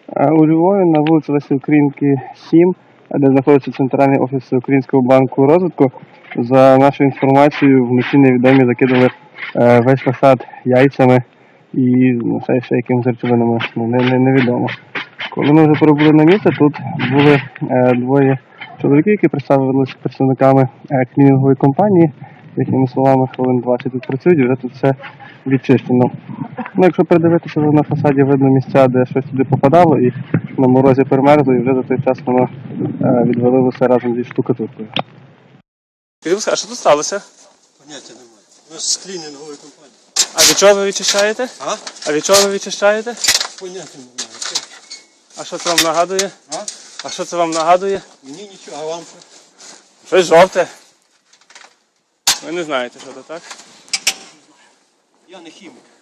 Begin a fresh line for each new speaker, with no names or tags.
У Львові на вулиці Лесі Українки, 7, де знаходиться центральний офіс Українського банку розвитку, за нашою інформацією, вночі невідомі закидали весь фасад яйцями і ще якимись речовинами, невідомо. Коли ми вже прибули на місце, тут були двоє чоловіків, які представилися представниками клінінгової компанії. Їхніми словами, хвилин 20 тут працюють, і вже тут все відчищено. Якщо придивитися, на фасаді видно місця, де щось туди попадало, і на морозі перемерзло, і вже за той час воно відвалилося разом зі штукатуркою.
А що тут сталося?
Поняття немає. У нас з клінінгової компанії.
А від чого ви відчищаєте? А від чого ви відчищаєте?
Поняття немає.
А що це вам нагадує? А що це вам нагадує?
Мені нічого, а вам що?
Щось жовте. Ви не знаєте, що це, так?
Я не хімік.